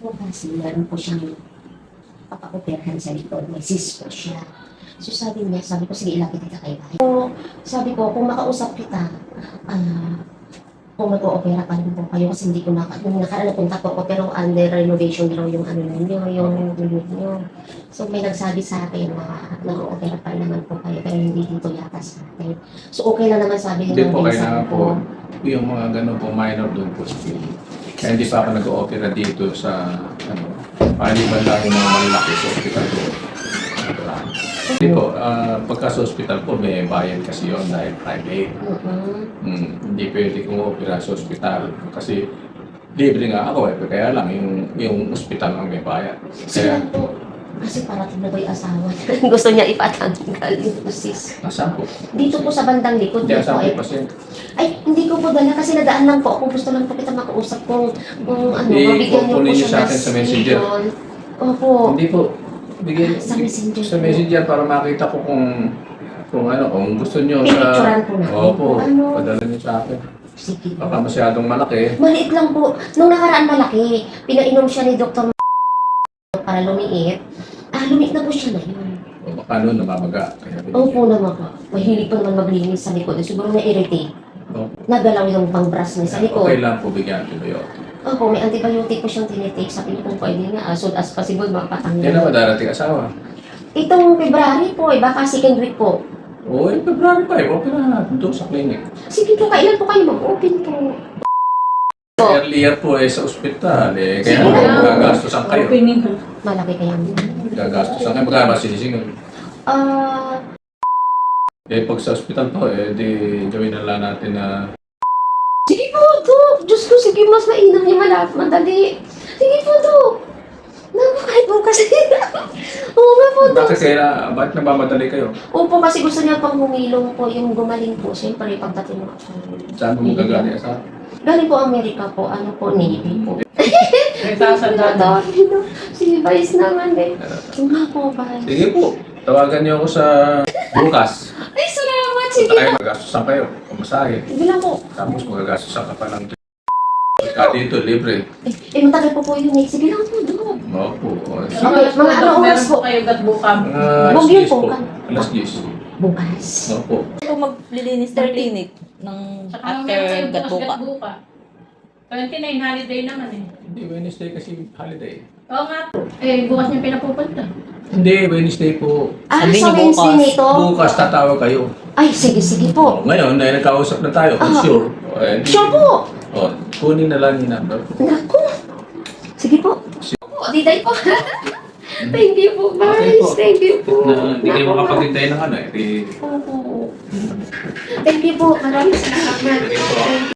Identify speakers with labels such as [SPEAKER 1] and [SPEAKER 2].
[SPEAKER 1] po kasi meron po siyang papaoperahan sa likod. May cyst po siya. So sabi ko, sige ilapit kita kay bahay. So sabi ko, kung makausap kita, kung mag-o-opera pa rin po kayo kasi hindi ko nung nakaraan napunta po ako pero under renovation daw yung ano ninyo, yung unit nyo. So may nagsabi sa akin na nag-o-opera pa rin naman po kayo pero hindi dito yata sa akin. So okay lang naman sabi
[SPEAKER 2] Hindi
[SPEAKER 1] ng
[SPEAKER 2] po,
[SPEAKER 1] pinsan
[SPEAKER 2] kailangan po, yung mga ganun po, minor doon po sa Philly. Kaya hindi pa ako nag-o-opera dito sa, paliban lang yung mga malaki sa hospital ko. Hindi po, pagka sa hospital po, may bayad kasi yun dahil private. Hindi pwede kong opera sa hospital kasi libre nga ako kaya lang yung hospital ang may bayad.
[SPEAKER 1] Kaya po, kasi parating na ba yung asawa niya? Gusto niya ipatanggal yung cyst.
[SPEAKER 2] Nasaan po?
[SPEAKER 1] Dito po sa bandang likod.
[SPEAKER 2] Hindi,
[SPEAKER 1] Dito
[SPEAKER 2] saan
[SPEAKER 1] ay,
[SPEAKER 2] po pasyente?
[SPEAKER 1] ay, hindi ko po dala kasi nadaan lang po ako. Gusto lang po kita makausap kung mabigyan niyo po
[SPEAKER 2] kukunin niyo
[SPEAKER 1] siya
[SPEAKER 2] sa akin sa messenger.
[SPEAKER 1] Opo.
[SPEAKER 2] Hindi po. Bigyan
[SPEAKER 1] Sa messenger
[SPEAKER 2] sa
[SPEAKER 1] po.
[SPEAKER 2] messenger para makita ko kung kung gusto niyo
[SPEAKER 1] Pinicturean po natin.
[SPEAKER 2] Opo,
[SPEAKER 1] Ano?
[SPEAKER 2] padala niyo sa akin.
[SPEAKER 1] Sige.
[SPEAKER 2] Baka masyadong malaki.
[SPEAKER 1] Maliit lang po. Nung nakaraan malaki, pinainom siya ni Dr. para lumiit. Lumiit na po siya na yun.
[SPEAKER 2] O baka noon namamaga. Kaya
[SPEAKER 1] Opo naman po. Mahilig pa naman maglinis sa likod. Siguro na-irritate.
[SPEAKER 2] Opo.
[SPEAKER 1] Nagalaw yung pang-brush niya sa likod.
[SPEAKER 2] Okay lang po bigyan antibiotic.
[SPEAKER 1] Opo, may antibiotic po siyang tinitake. Sabi niyo kung pwede nga, as soon as possible, mapatanggal.
[SPEAKER 2] Yan na darating asawa.
[SPEAKER 1] Itong February po, baka second week po.
[SPEAKER 2] Oo, February 5, open na natin doon sa clinic.
[SPEAKER 1] Sige po, kailan po kayo mag-open po?
[SPEAKER 2] Earlier po sa ospital kaya
[SPEAKER 1] Sige
[SPEAKER 2] naman
[SPEAKER 1] lang.
[SPEAKER 2] gagastosan kayo.
[SPEAKER 1] Malaki kaya.
[SPEAKER 2] Gagastosan kayo, magkano ba sinisingil? Pag sa ospital po, di gawin na lang natin na
[SPEAKER 1] Sige po, Dok. Diyos ko, sige, mas mainam niya madali. Sige po, Dok. Naku, kahit po kasi. Oo nga po, Dok.
[SPEAKER 2] bakit nagmamadali kayo?
[SPEAKER 1] Opo, kasi gusto niya pang humilong po, yung gumaling po. Siyempre, pagdating mo.
[SPEAKER 2] Saan mo gagaling sa?
[SPEAKER 1] Galing po Amerika po, ano po, Navy po.
[SPEAKER 3] May sasandado.
[SPEAKER 1] Sige, Vice naman eh. Nga po, Vice.
[SPEAKER 2] Sige po, tawagan niyo ako sa bukas.
[SPEAKER 1] Ay, salamat. Sige
[SPEAKER 2] Ay,
[SPEAKER 1] na.
[SPEAKER 2] magastosan kayo, pumasahe.
[SPEAKER 1] Sige lang po.
[SPEAKER 2] Tapos magagastosan ka pa ng dito, libre.
[SPEAKER 1] Matagal po yun eh. Sige lang po, Dok.
[SPEAKER 2] Opo.
[SPEAKER 1] Okay, mga ano oras
[SPEAKER 3] Meron
[SPEAKER 1] po?
[SPEAKER 3] po kayo gatbukam.
[SPEAKER 2] Alas
[SPEAKER 1] Huwag yun
[SPEAKER 2] 10
[SPEAKER 1] po,
[SPEAKER 2] po.
[SPEAKER 1] kan.
[SPEAKER 2] Alas 10.
[SPEAKER 1] Bukas.
[SPEAKER 2] Opo.
[SPEAKER 4] Kung maglilinis ng clinic ng
[SPEAKER 3] Saka
[SPEAKER 4] after
[SPEAKER 3] meron kayo bukas
[SPEAKER 4] Gatbuka.
[SPEAKER 3] gatbuka. 29 holiday naman eh.
[SPEAKER 2] Hindi, Wednesday kasi holiday.
[SPEAKER 3] Oo nga. Bukas niya pinapupunta.
[SPEAKER 2] Hindi, Wednesday po.
[SPEAKER 4] Sabi
[SPEAKER 1] Sa
[SPEAKER 4] niyo
[SPEAKER 1] Wednesday
[SPEAKER 4] bukas.
[SPEAKER 1] nito?
[SPEAKER 2] Bukas tatawag kayo.
[SPEAKER 1] Ay, sige po.
[SPEAKER 2] Ngayon, dahil nagkausap na tayo, kung sure.
[SPEAKER 1] Sure po.
[SPEAKER 2] Kunin na lang yung number.
[SPEAKER 1] Naku. Sige po. Opo, diday po. Thank you po,
[SPEAKER 2] Okay
[SPEAKER 1] Vice.
[SPEAKER 2] po.
[SPEAKER 1] Thank you po.
[SPEAKER 2] Hindi kayo
[SPEAKER 1] Naku,
[SPEAKER 2] makapagintay ng
[SPEAKER 1] Opo. Thank you po. Maraming salamat.
[SPEAKER 2] Sige po.